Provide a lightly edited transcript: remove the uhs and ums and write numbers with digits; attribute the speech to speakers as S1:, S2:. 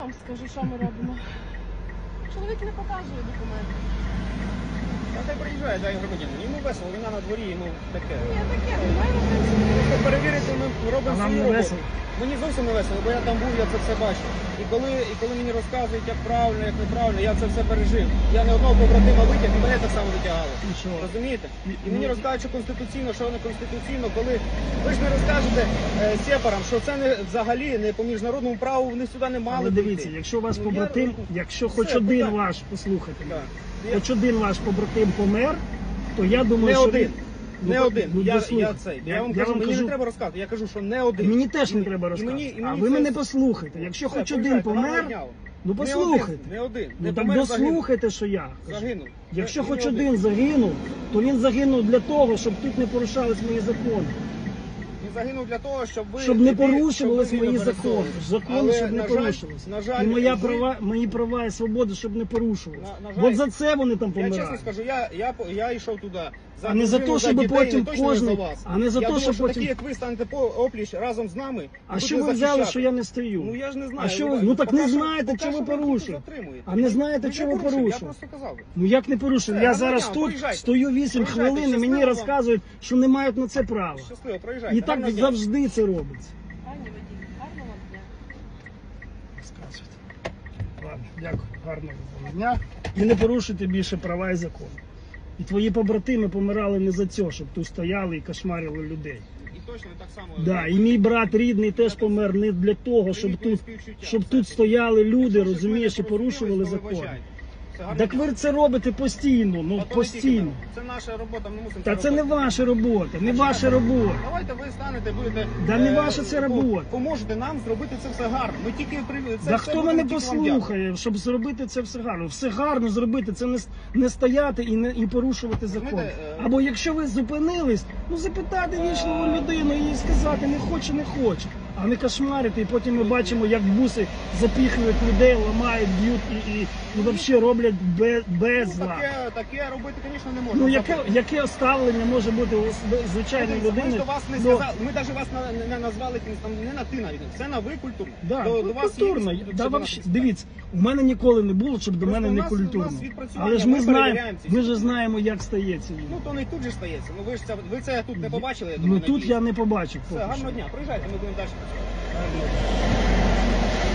S1: Вам скажу, що ми робимо. Чоловік не показує документи.
S2: А хай приїжджає, дай громадянин. Йому весело, війна на дворі, йому таке.
S1: Ні, таке, немає в принципі.
S2: Просто перевірити ми робимо
S3: А вам
S2: свою
S3: не
S2: роботу.
S3: весело?
S2: Мені зовсім не весело, бо я там був, я це все бачив. І коли мені розказують, як правильно, як неправильно, я це все пережив. Я не одного побратима витяг, і мене так само витягали.
S3: І що?
S2: Розумієте? І
S3: Ну,
S2: мені розказують, що конституційно, що не конституційно, коли ви ж не розкажете сепарам, що це не взагалі не по міжнародному праву, вони сюди не мали
S3: Але дивіться,
S2: прийти.
S3: якщо у вас
S2: Ну,
S3: побратим, якщо хоч
S2: Все,
S3: один
S2: так.
S3: ваш, послухайте мене,
S2: Так.
S3: хоч один ваш побратим помер, то я думаю,
S2: Не
S3: що
S2: один.
S3: він...
S2: Не
S3: Ну,
S2: один.
S3: ну,
S2: Я
S3: дослухайте.
S2: цей. Я вам кажу, мені не треба розказувати. Я кажу, що не один.
S3: Мені теж не
S2: І
S3: треба
S2: і
S3: розказувати.
S2: і
S3: А
S2: мені
S3: ви
S2: це-
S3: мене послухайте. Якщо
S2: Все,
S3: хоч один
S2: приїжджайте,
S3: помер,
S2: гарного дня.
S3: ну
S2: Не
S3: послухайте.
S2: один, не один.
S3: Ну
S2: Не
S3: так
S2: помер, загинув.
S3: дослухайте, що я кажу.
S2: Загинув.
S3: Якщо
S2: Не
S3: хоч
S2: один.
S3: один загинув, то він загинув для того, щоб тут не порушались мої закони.
S2: Він загинув для того, щоб ви...
S3: Щоб не
S2: щоб ви
S3: порушувались
S2: вільно
S3: мої закони.
S2: пересовувались.
S3: Закони,
S2: Але,
S3: щоб не
S2: на жаль,
S3: порушувались.
S2: На жаль,
S3: І
S2: ви-
S3: мої права і свободи, щоб не порушувались.
S2: На жаль,
S3: От за це вони там
S2: Я чесно
S3: помирають.
S2: скажу, я йшов туди.
S3: А не за
S2: дружину,
S3: те, щоб
S2: дітей,
S3: потім
S2: і точно
S3: кожен-
S2: не за вас.
S3: а не за
S2: Я
S3: те,
S2: думав,
S3: щоб
S2: що
S3: потім-
S2: такі, як ви, станете по опліч разом з нами.
S3: А
S2: будете
S3: що ви взяли,
S2: захищати.
S3: що я не стою?
S2: Ну я ж не знаю.
S3: А що ви- ну так не знаєте, що ви порушили. А не знаєте, що ви
S2: Я
S3: порушили.
S2: просто казав.
S3: Ну як не порушив?
S2: Все,
S3: Я
S2: гарного
S3: зараз
S2: дня,
S3: тут
S2: проїжджайте.
S3: стою 8
S2: Проїжджайте,
S3: хвилин і мені
S2: щасливо вам.
S3: розказують, що не мають на це права.
S2: Щасливо, проїжджайте.
S3: І так
S2: Гарного дня.
S3: завжди це робиться.
S1: Пані водій, гарного вам дня.
S3: Розказуйте. Ладно, дякую, гарного вам дня. І не порушуйте більше права і закони. І твої побратими помирали не за це, щоб тут стояли і кошмарили людей.
S2: І точно так само.
S3: Да, і мій брат рідний теж помер не для того, щоб тут стояли люди, розумієш, і порушували закон. Так ви це робите постійно, ну постійно.
S2: Це наша робота, ми мусимо
S3: Та це
S2: робити.
S3: не ваша робота, не ваша робота.
S2: Давайте ви станете, будете...
S3: Да не ваша це робота.
S2: Поможете нам зробити це все гарно. Ми тільки...
S3: Да хто мене послухає, щоб зробити це все гарно? Все гарно зробити, це не стояти і порушувати закон.
S2: Знаєте,
S3: Або якщо ви зупинились, ну запитати вічливу людину і їй сказати не хоче, а не кошмарити. І потім ми бачимо, як буси запіхують людей, ламають, б'ють і взагалі роблять без зла.
S2: Таке робити, звісно, не можна.
S3: Ну яке ставлення може бути у звичайної людини?
S2: Ми до вас не сказали, ми навіть вас не назвали там, не на ти навіть, це на ви культурно.
S3: Да,
S2: до вас є
S3: культурно.
S2: якісь,
S3: Да,
S2: щоб
S3: вообще,
S2: написати.
S3: дивіться, у мене ніколи не було, щоб до
S2: Просто
S3: мене не
S2: у нас
S3: культурно.
S2: відпрацювання,
S3: Але ж
S2: ми
S3: ми знаємо,
S2: перевіряємо ці
S3: ми ж знаємо, як стається війна.
S2: Ну то не тут же стається. Ну ви це тут не побачили, я думаю,
S3: Ну
S2: на
S3: тут
S2: дійсно.
S3: я не побачив.
S2: Все,
S3: поки
S2: гарного
S3: що.
S2: дня, приїжджайте, ми будемо далі працювати.
S3: Гарного дня.